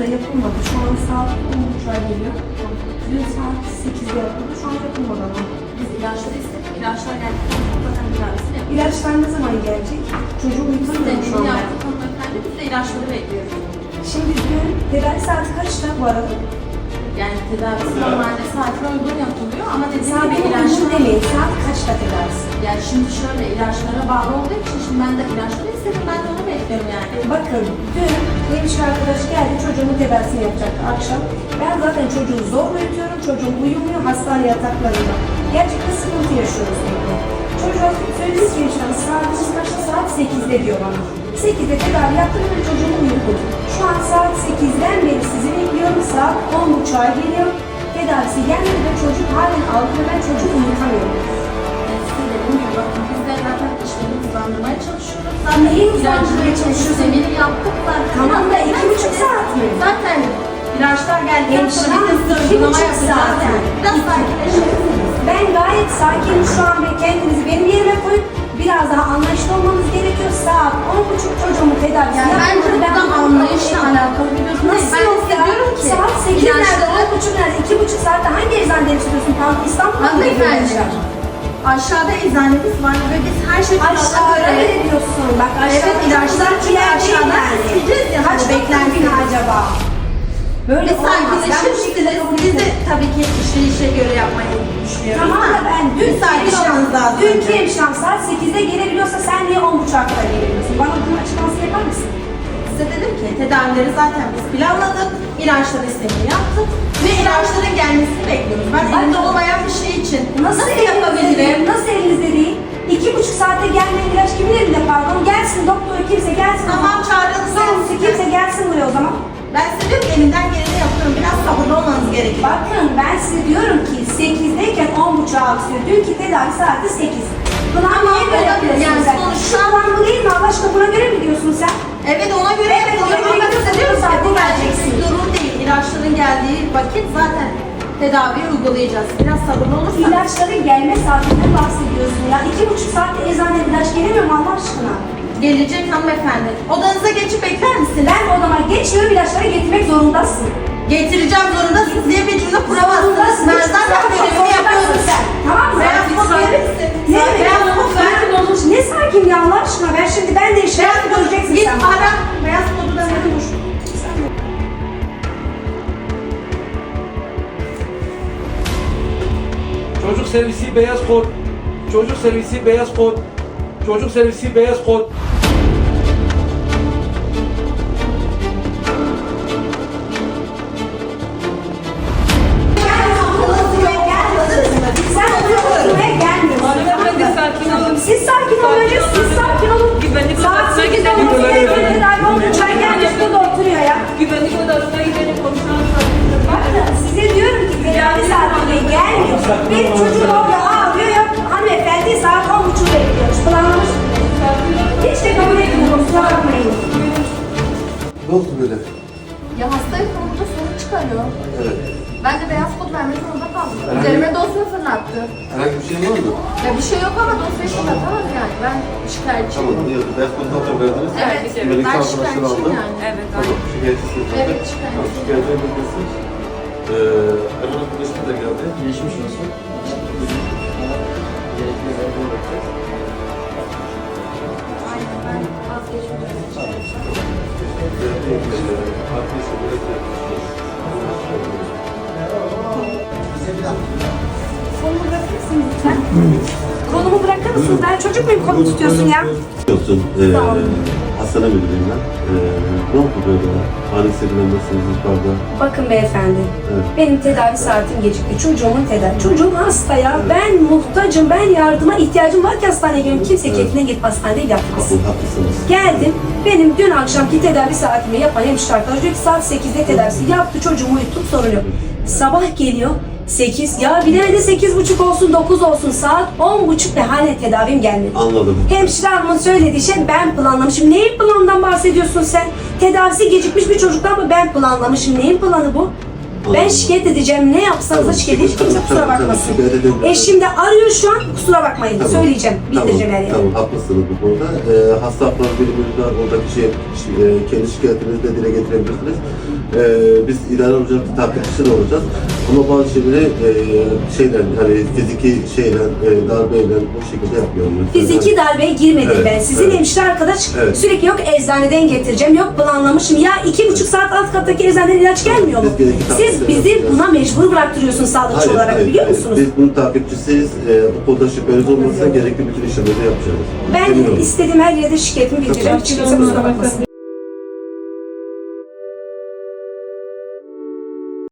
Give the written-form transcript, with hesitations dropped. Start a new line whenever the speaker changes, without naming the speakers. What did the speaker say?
da yapılmadı. Şu an saat 10.30'a geliyor. Dün saat 8'de yapıldı. Şu an yapılmadı ama.
Biz ilaçları istedik. İlaçlar geldikten sonra zaten tedavisini yapıyoruz.
İlaçlar ne zaman gelecek? Çocuğum uyutamıyorum şu
Deneyini
anda.
yaptık hanımefendi. Biz de ilaçları bekliyoruz.
Şimdi dün tedavi saati kaçta bu arada?
Yani tedavisi normalde saatine uygun yapılıyor ama dediğim
Saat
gibi
uygun
ilaçlar...
demeyin. Saat kaçta tedavisi?
Yani şimdi şöyle ilaçlara bağlı olduğu için şimdi ben de ilaçları istedim. Ben de onu bekliyorum yani.
Bakın dün hemşire arkadaş geldi çocuğumun tedavisini yapacaktı akşam. Ben zaten çocuğu zor uyutuyorum. Çocuğum uyumuyor hastane yataklarında. Gerçekten sıkıntı yaşıyoruz evde. Çocuğa söylediğiniz gibi işte saatimiz kaçta? Saat 8'de diyor bana. 8'de tedavi yaptım ve çocuğumu uyudum. Şu an saat 8'den beri sizi bekliyorum. Saat 10.30'a geliyor. Tedavisi gelmedi ve çocuk halen aldı ve ben çocuğu uyutamıyorum.
Size dediğim gibi bakın biz de zaten işlerini hızlandırmaya çalışıyoruz. Zaten
Neyi hızlandırmaya çalışıyorsun?
Zemini yaptık zaten.
Tamam da 2,5 saat mi?
Zaten ilaçlar geldikten sonra
Hemşire
biz de
hanım,
uygulama
2,5
yapacağız
saat.
yani. Biraz sakinleşelim.
Ben gayet sakinim şu an ve kendinizi benim yerime koyup biraz daha anlayışlı olmanız gerekiyor. Saat 10.30 çocuğumu tedavisi
Yani bence
yapmadı.
burada anlayışla alakalı bir durum değil.
Nasıl
Ben
yok ya?
hissediyorum ki
Saat 8 nerede,
ilaçları
10.30 nerede, 2,5 saatte hangi eczaneden çıkıyorsun? Tam İstanbul'da mı
hanımefendi aşağıda eczanemiz var ve biz her şeyi
Aşağıda ne diyorsun? Bak aşağıda
Evet, ilaçlar
çok
aşağıdan isteyeceğiz ya.
Kaç beklenti acaba? Böyle
Biz
olmaz. Ben bu şekilde
sakinleşirsiniz.
kabul
Biz de
etmem.
tabii ki işe göre yapmayı düşünüyoruz.
Tamam da ben dün
sakin olmanız lazım.
Dünkü hemşirem saat 8'de gelebiliyorsa sen niye 10.30'a kadar gelebiliyorsun? Bana bunun açıklaması yapar mısın?
Size dedim ki tedavileri zaten biz planladık. İlaçlar istemini yaptık. Ve ilaçların gelmesini bekliyoruz. Ben elimde olmayan bir şey için nasıl yapabilirim?
Nasıl elinizde değil? 2,5 saatte gelmeyen ilaç kimin elinde pardon? Gelsin doktor kimse gelsin.
Tamam çağırın
Sen kimse gelsin buraya o zaman.
Ben size diyorum ki elimden geleni yapıyorum. Biraz sabırlı olmanız gerekiyor.
Bakın ben size diyorum ki 8'deyken 10.30'a aksıyor. Dünkü tedavi saati 8. Buna niye göre
olabilir.
yapıyorsun
Yani
sen?
sonuçta-
Şu an bu değil mi Allah aşkına buna göre mi diyorsun sen?
Evet ona göre
Evet, ona
yapıyorum.
göre
Ama size diyorum ki
saatte
bu
geleceksin.
bir durum değil. İlaçların geldiği vakit zaten tedaviyi uygulayacağız. Biraz sabırlı olursanız.
İlaçların gelme saatinden bahsediyorsun ya. 2,5 saatte eczaneye ilaç gelemiyor mu Allah aşkına?
Gelecek hanımefendi. Odanıza geçip bekler misiniz?
Ben odama geçmiyorum ilaçları getirmek zorundasın.
Getireceğim zorundasınız diye bir cümle kuramazsınız. Ben zaten görevimi yapıyorum.
sen. Tamam mı?
Beyaz kod verir misin?
Ne?
Beyaz kod ver.
Ne sakin ya Allah aşkına ben şimdi ben de işe
Beyaz kod
göreceksin
git
sen.
ara. Beyaz kodu da verin.
Çocuk servisi beyaz kod. Çocuk servisi beyaz kod. Çocuk servisi beyaz kod.
Sen oturmaya gelmiyorsun.
Hanımefendi sakin olun.
Siz sakin olun önce siz sakin olun.
Güvenlik
Saat
odasına
8'de
gidelim.
oturuyor. Tedavi olunca gelmiş burada oturuyor ya.
Güvenlik odasına gidelim konuşalım.
Bakın size diyorum ki tedavi saatine gelmiyor. Bir çocuk orada ağlıyor ya hanımefendi saat 10.30 bekliyormuş. Planlamış. Hiç de kabul etmiyorum kusura bakmayın.
Ne oldu böyle?
Ya hastayı konumda sorun çıkarıyor.
Evet.
Ben de beyaz kod vermek zorunda kaldım.
Herhangi-
Üzerime dosya fırlattı.
Herhangi bir şey var mı?
Ya bir şey yok ama dosyayı fırlatamaz yani. Ben şikayetçiyim.
Tamam, iyi. Beyaz kodu zaten verdiniz.
Evet,
Güvenlikten
ben
arkadaşlar
şikayetçiyim
aldı.
yani.
Evet,
Tamam, şikayetçisiniz zaten.
Evet, şikayetçiyim.
Tamam, şikayetçinin bilgisi. Erman arkadaşım da geldi.
Geçmiş olsun. Gerekli yerden bakacağız.
Aynen ben vazgeçmiyorum.
Arkadaşlar böyle yapmışız.
Kolumu bırakır mısın lütfen? Kolumu bırakır mısın? Ben çocuk muyum kolumu tutuyorsun ya?
Olsun.
Sağ olun.
Hastane müdürüyüm ben. Ne oldu böyle? Ani serinlemesiniz yukarıda.
Bakın beyefendi,
Evet.
benim tedavi saatim gecikti. Çocuğumun tedavi. Çocuğum hasta ya. Ben muhtacım. Ben yardıma ihtiyacım var ki hastaneye geleyim. Kimse
Evet.
keyfine gidip hastaneye yapmasın.
Haklısınız.
Geldim. Benim dün akşamki tedavi saatimi yapan hemşire arkadaş diyor ki saat 8'de tedavisi yaptı. Çocuğumu uyuttum sorun yok. Sabah geliyor. 8 ya bilemedi 8.30 olsun 9 olsun saat 10.30 ve hala tedavim gelmedi.
Anladım.
Hemşire hanımın söylediği şey ben planlamışım. Neyin planından bahsediyorsun sen? Tedavisi gecikmiş bir çocuktan mı ben planlamışım? Neyin planı bu? Ben şikayet edeceğim. Ne yapsanız da şikayet edeceğim. Kimse kusura
Tabii,
bakmasın.
şikayet edebilirsiniz.
Eşim de arıyor şu an. Kusura bakmayın.
Tamam.
Söyleyeceğim. Bildireceğim her yere.
Tamam, haklısınız bu konuda. Hasta hakları birimimiz var. Oradaki kendi şikayetinizi de dile getirebilirsiniz. Biz idare olacak, takipçisi de olacağız. Ama bazı şeyleri hani fiziki darbeyle bu şekilde yapmıyorum.
Fiziki darbeye girmedim
Evet,
ben. Sizin
evet.
hemşire arkadaş
Evet.
sürekli yok eczaneden getireceğim, yok planlamışım. Ya 2,5 saat alt kattaki eczaneden ilaç gelmiyor mu?
Biz gerekli
Siz
takipleri
bizi
yapacağız.
buna mecbur bıraktırıyorsunuz sağlıkçı olarak biliyor musunuz?
Biz bunun takipçisiyiz. O konuda şüpheniz olmasa gerekli bütün işlemleri yapacağız.
Ben
Eminim.
istediğim her yerde şikayetimi bildireceğim. Hiç kimse kusura bakmasın.